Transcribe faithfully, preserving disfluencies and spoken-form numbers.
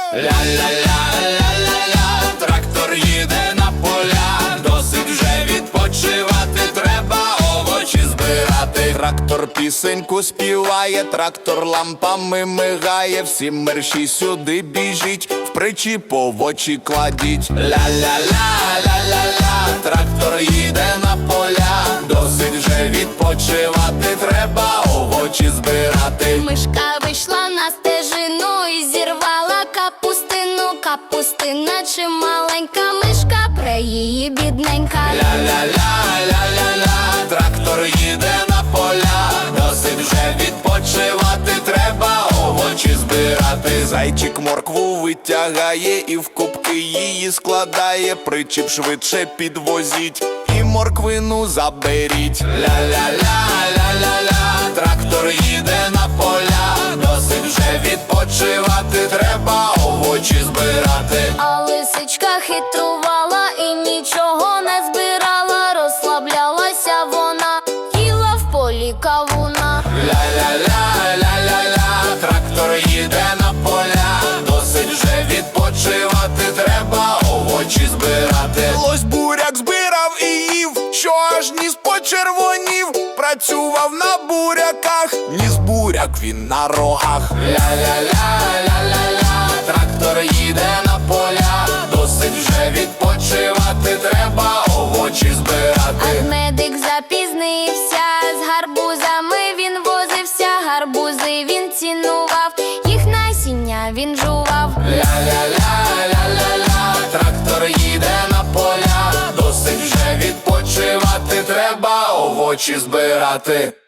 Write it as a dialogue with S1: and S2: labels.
S1: Ля-ля-ля-ля-ля-ля, трактор їде на поля, досить вже відпочивати, треба овочі збирати. Трактор пісеньку співає, трактор лампами мигає, всі мерші сюди біжіть, в причіп овочі кладіть. Ля-ля-ля-ля-ля-ля, трактор їде на поля, досить вже відпочивати, треба овочі збирати.
S2: Мишка вийшла на стежину і зірвала капустину. Капустина чи маленька мишка, пре її бідненька.
S1: Ля-ля-ля-ля-ля-ля, трактор їде на поля, досить вже відпочивати, треба овочі збирати. Зайчик моркву витягає і в кубки її складає, причіп швидше підвозіть і морквину заберіть. Ля-ля-ля-ля-ля-ля, трактор їде на поля, досить вже відпочивати, треба овочі збирати.
S2: А лисичка хитрувала і нічого не збирала, розслаблялася вона, їла в полі кавуна.
S1: Ля-ля-ля-ля-ля-ля, трактор їде на поля, досить вже відпочивати, треба овочі збирати. Лось буряк збирав і їв, що аж ніс почервонів, працював на буряках, ніс буряк він на рогах. Ля-ля-ля-ля-ля-ля, трактор їде на поля, досить вже відпочивати, треба овочі збирати.
S2: Медик запізнився, з гарбузами він возився, гарбузи він цінував, їх насіння він жував.
S1: Ля-ля-ля-ля-ля-ля, трактор їде на поля, досить вже відпочивати, треба овочі збирати.